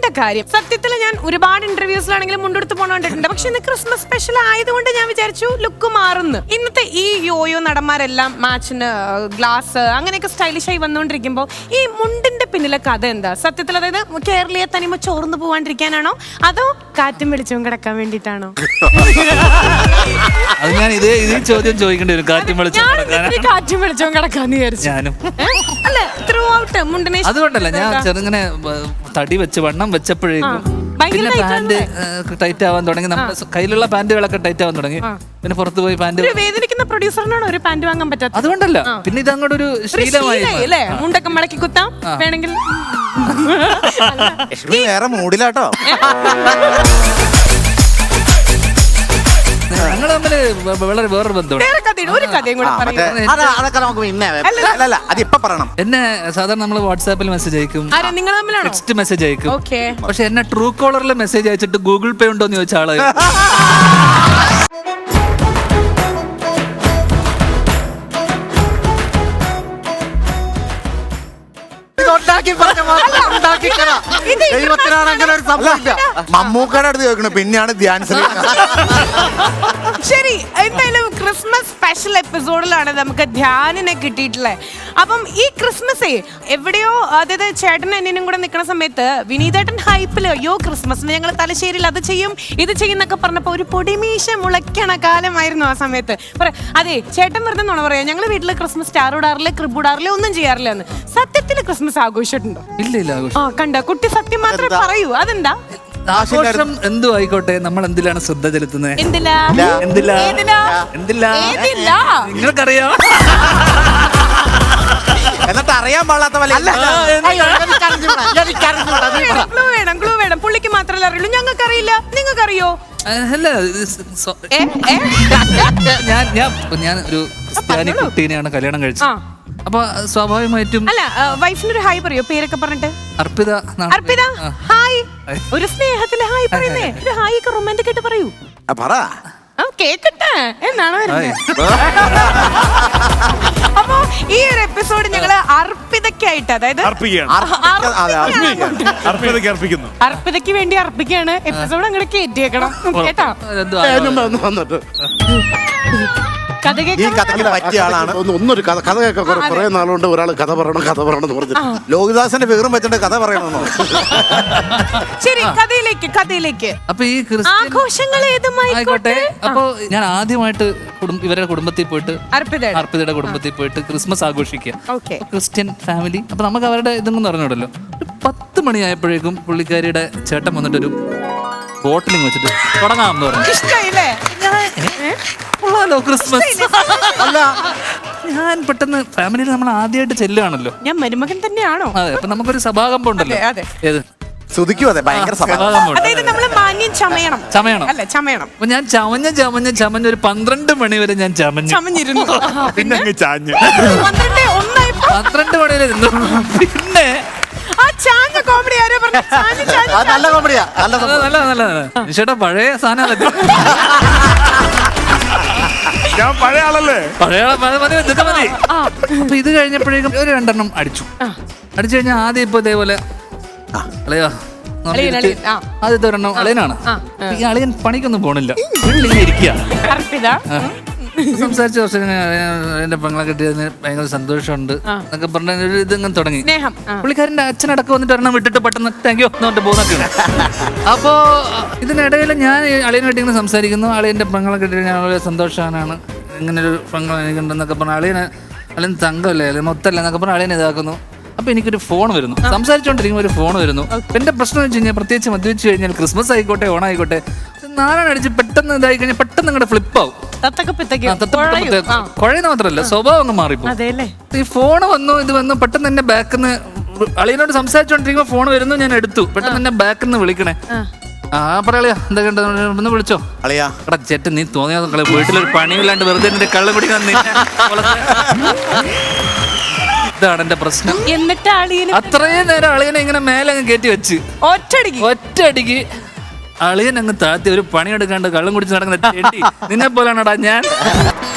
കാര്യം. സത്യത്തിൽ ഞാൻ ഒരുപാട് ഇന്റർവ്യൂസിലാണെങ്കിലും മുണ്ടെടുത്ത് പോകണ്ടിട്ടുണ്ട്. പക്ഷെ ഇന്ന് ക്രിസ്മസ് സ്പെഷ്യൽ ആയതുകൊണ്ട് ഞാൻ വിചാരിച്ചു ലുക്ക് മാറുന്നു. ഇന്നത്തെ ഈ യോയോ നടന്മാരെല്ലാം മാച്ചിന് ഗ്ലാസ് അങ്ങനെയൊക്കെ സ്റ്റൈലിഷ് ആയി വന്നുകൊണ്ടിരിക്കുമ്പോൾ ഈ മുണ്ടിന്റെ പിന്നിലെ കഥ എന്താ? സത്യത്തിൽ അതായത് കേരളീയ തനിമ ചോർന്നു പോവാണ്ടിരിക്കാനാണോ അതോ കാറ്റും വെളിച്ചവും കിടക്കാൻ വേണ്ടിയിട്ടാണോ? അത് ഞാൻ ഇതേ ചോദ്യം ചോദിക്കേണ്ടി വരും. കാറ്റും വെളിച്ചവും കിടക്കാന്ന് വിചാരിച്ചു. ഞാനും അല്ല ത്രൂ ഔട്ട് മുണ്ടിനെ അതുകൊണ്ടല്ല, ഞാൻ ചെറുങ്ങനെ തടി വെച്ച് വണ്ണം വെച്ചപ്പോഴേക്കും പിന്നെ പാന്റ് ടൈറ്റ് ആവാൻ തുടങ്ങി. നമ്മുടെ കയ്യിലുള്ള പാന്റുകളൊക്കെ ടൈറ്റ് ആവാൻ തുടങ്ങി. പിന്നെ പുറത്ത് പോയി പാന്റ് വേദനിക്കുന്ന പ്രൊഡ്യൂസറിനാണ് ഒരു പാന്റ് വാങ്ങാൻ പറ്റാത്ത. അതുകൊണ്ടല്ല, പിന്നെ ഇത് അങ്ങോട്ട് ഒരു ശീലമായി. മുണ്ടൊക്കെ മടക്കി കുത്താം വേണമെങ്കിൽ. വേറെ മൂഡിലാട്ടോ. ഞങ്ങൾ തമ്മില് വളരെ വേറൊരു ബന്ധമുണ്ട്. എന്നെ സാധാരണ നമ്മള് വാട്സാപ്പിൽ മെസ്സേജ് അയക്കും, ടെക്സ്റ്റ് മെസ്സേജ് അയക്കും. പക്ഷെ എന്നെ ട്രൂ കോളറിൽ മെസ്സേജ് അയച്ചിട്ട് ഗൂഗിൾ പേ ഉണ്ടോന്ന് ചോദിച്ച ആള് മമ്മൂക്കയുടെ അടുത്ത് ചോദിക്കണം, പിന്നെയാണ് ധ്യാൻ ശ്രീ. ശരി, എന്തായാലും ക്രിസ്മസ് സ്പെഷ്യൽ എപ്പിസോഡിലാണ് നമുക്ക് ധ്യാനിനെ കിട്ടിയിട്ടുള്ളത്. അപ്പം ഈ ക്രിസ്മസേ എവിടെയോ, അതായത് ചേട്ടനും അനിയനും കൂടെ നിൽക്കുന്ന സമയത്ത് വിനീതേട്ടൻ ഹൈപ്പില് അയ്യോ ക്രിസ്മസിന് ഞങ്ങൾ തലശ്ശേരിയിൽ അത് ചെയ്യും ഇത് ചെയ്യുന്നൊക്കെ പറഞ്ഞപ്പോ ഒരു പൊടിമീശ മുളയ്ക്കണ കാലമായിരുന്നു ആ സമയത്ത്. അതെ, ചേട്ടൻ വെറുതെ നുണ പറയാം, ഞങ്ങൾ വീട്ടില് ക്രിസ്മസ് സ്റ്റാർ ഇടാറില്ല, ക്രിബ് ഇടാറില്ല, ഒന്നും ചെയ്യാറില്ല എന്ന്. സത്യത്തിൽ ക്രിസ്മസ് ആഘോഷിച്ചിട്ടുണ്ടോ? ഇല്ല. ആ കണ്ട കുട്ടി സത്യം മാത്രമേ പറയൂ. അതെന്താ? ആഘോഷം എന്തു ആയിക്കോട്ടെ, നമ്മൾ എന്തിലാണ് ശ്രദ്ധ ചെലുത്തുന്നത്? നിങ്ങൾക്കറിയാം. എന്നിട്ട് അറിയാൻ പാടാത്ത ക്ലൂ വേണം. പുള്ളിക്ക് മാത്രമല്ല അറിയുള്ളൂ, ഞങ്ങൾക്കറിയില്ല. നിങ്ങൾക്കറിയോ? ഞാൻ ഒരു ക്രിസ്ത്യാനി കുട്ടീനെയാണ് കല്യാണം കഴിച്ചത്. അപ്പൊ സ്വാഭാവികമായിട്ടും അല്ല, വൈഫിനൊരു ഹായ് പറയോ? പേരൊക്കെ പറഞ്ഞിട്ട്. അർപ്പിത. ഹായ്. ഒരു സ്നേഹത്തില് ഹായ് പറയുന്നേ. ഒരു ഹായ് ഒക്കെ റൊമാൻറ്റിക് ആയിട്ട് പറയൂ. കേക്കട്ടെ എന്നാണ് വരുന്നത്. അപ്പൊ ഈ ഒരു എപ്പിസോഡ് ഞങ്ങള് അർപ്പിതയ്ക്കായിട്ട്, അതായത് അർപ്പിതയ്ക്ക് വേണ്ടി അർപ്പിക്കാണ്. എപ്പിസോഡ് അങ്ങോട്ട് കയറ്റിയേക്കണം കേട്ടോ. ഈ കഥയ്ക്ക് പറ്റിയ ആളാണ്. ഒന്നൊരു കഥ കേൾക്കാൻ കുറെ നാളുകൊണ്ട് ഒരാൾ കഥ പറയണം എന്ന് പറഞ്ഞു. ലോകിദാസന്റെ ഫിഗറും വെച്ചിട്ട് കഥ പറയണമെന്നോ? ശരി, കഥയിലേക്ക്. അപ്പൊ ഈ ആഘോഷങ്ങൾ ആയിക്കോട്ടെ. അപ്പൊ ഞാൻ ആദ്യമായിട്ട് ഇവരുടെ കുടുംബത്തിൽ പോയിട്ട്, അർപ്പിതയുടെ കുടുംബത്തിൽ പോയിട്ട് ക്രിസ്മസ് ആഘോഷിക്കുക. Christian family. അപ്പൊ നമുക്ക് അവരുടെ ഇതൊന്നും പറഞ്ഞോടല്ലോ. 10 മണിയായപ്പോഴേക്കും പുള്ളിക്കാരിയുടെ ചേട്ടൻ വന്നിട്ടൊരു ബോട്ടിലിങ് വെച്ചിട്ട് തുടങ്ങാമെന്ന് പറഞ്ഞു. ക്രിസ്മസ് അല്ല, ഞാൻ പെട്ടെന്ന് ഫാമിലിയിൽ നമ്മൾ ആദ്യമായിട്ട് ചെല്ലുകയാണല്ലോ. ഞാൻ മരുമകൻ തന്നെയാണോ? അതെ. അപ്പൊ നമുക്കൊരു സഭാകമ്പം ഉണ്ടല്ലോ. അതെ, ഭയങ്കര ചമയണം. അപ്പൊ ഞാൻ ചമഞ്ഞ ഒരു 12 മണി വരെ ഞാൻ ചമഞ്ഞിരുന്നു. പിന്നെ 12 മണി വരെ ഇരുന്നു. പിന്നെ ചേട്ടാ പഴയ സാധനം ഞാൻ പഴയ ആളല്ലേ. ഇതൊക്കെ മതി. അപ്പൊ ഇത് കഴിഞ്ഞപ്പോഴേക്കും ഒരു 2 എണ്ണം അടിച്ചു കഴിഞ്ഞാൽ ആദ്യം ഇപ്പൊ ഇതേപോലെ ആദ്യത്തെ ഒരെണ്ണം അളിയനാണ്. ഈ അളിയൻ പണിക്കൊന്നും പോണില്ല, വീട്ടിലിങ്ങനെ ഇരിക്കുക. സംസാരിച്ച കുറച്ച് എന്റെ പെങ്ങളെ കിട്ടിയതിന് ഭയങ്കര സന്തോഷമുണ്ട് എന്നൊക്കെ പറഞ്ഞ ഒരു ഇതിങ്ങനെ തുടങ്ങി. പുള്ളിക്കാരന്റെ അച്ഛനടക്കം വന്നിട്ട് ഒരെണ്ണം വിട്ടിട്ട് പെട്ടെന്ന് താങ്ക് യു എന്നിട്ട് പോകുന്നൊക്കെയാണ്. അപ്പോ ഇതിനിടയിൽ ഞാൻ അളിയനെ വേണ്ടി ഇങ്ങനെ സംസാരിക്കുന്നു. അളിയന്റെ പെങ്ങളെ കിട്ടിയ ഞാൻ വളരെ സന്തോഷവാനാണ്, ഇങ്ങനെ ഒരു പെങ്ങൾ എനിക്കുണ്ടെന്നൊക്കെ പറഞ്ഞ അളിയൻ തങ്കമല്ലേ, അല്ലെങ്കിൽ മൊത്തമല്ല എന്നൊക്കെ പറഞ്ഞ അളിയനെ ഇതാക്കുന്നു. അപ്പൊ എനിക്കൊരു ഫോൺ വരുന്നു, സംസാരിച്ചോണ്ടിരിക്കുമ്പോൾ ഒരു ഫോൺ വരുന്നു. എന്റെ പ്രശ്നം വെച്ച് കഴിഞ്ഞാൽ, പ്രത്യേകിച്ച് മദ്യപിച്ച് കഴിഞ്ഞാൽ ക്രിസ്മസ് ആയിക്കോട്ടെ ഓണായിക്കോട്ടെ, നാളെ പെട്ടെന്ന് ഇതായി കഴിഞ്ഞാൽ പെട്ടെന്ന് നിങ്ങളുടെ ഫ്ലിപ്പാവും. കുഴയുന്ന മാത്രല്ല സ്വഭാവം അങ്ങ് മാറിപ്പോ. ഈ ഫോൺ വന്നു, ഇത് വന്നു, പെട്ടെന്ന് എന്നെ ബാക്കിന്ന് അളിയനോട് സംസാരിച്ചോണ്ടിരിക്കുമ്പോ ഫോൺ വരുന്നു, ഞാൻ എടുത്തു. പെട്ടെന്ന് എന്നെ ബാക്കിന്ന് വിളിക്കണേ. പറയാ എന്തൊക്കെ ഒന്ന് വിളിച്ചോ എടാ ചേട്ടൻ, നീ തോന്നിയാ വീട്ടിലൊരു പണിയില്ലാണ്ട് വെറുതെ എന്റെ കള്ളം കുടിക്കാൻ. ഇതാണ് എന്റെ പ്രശ്നം. എന്നിട്ട് അത്രയും നേരം അളിയനെ ഇങ്ങനെ മേലെ അങ്ങ് കയറ്റി വെച്ച് ഒറ്റയടിക്ക് അളിയൻ അങ്ങ് താത്തി ഒരു പണിയെടുക്കാണ്ട് കള്ളം കുടിച്ച് നടക്കുന്ന നിന്നെ പോലാണടാ ഞാൻ.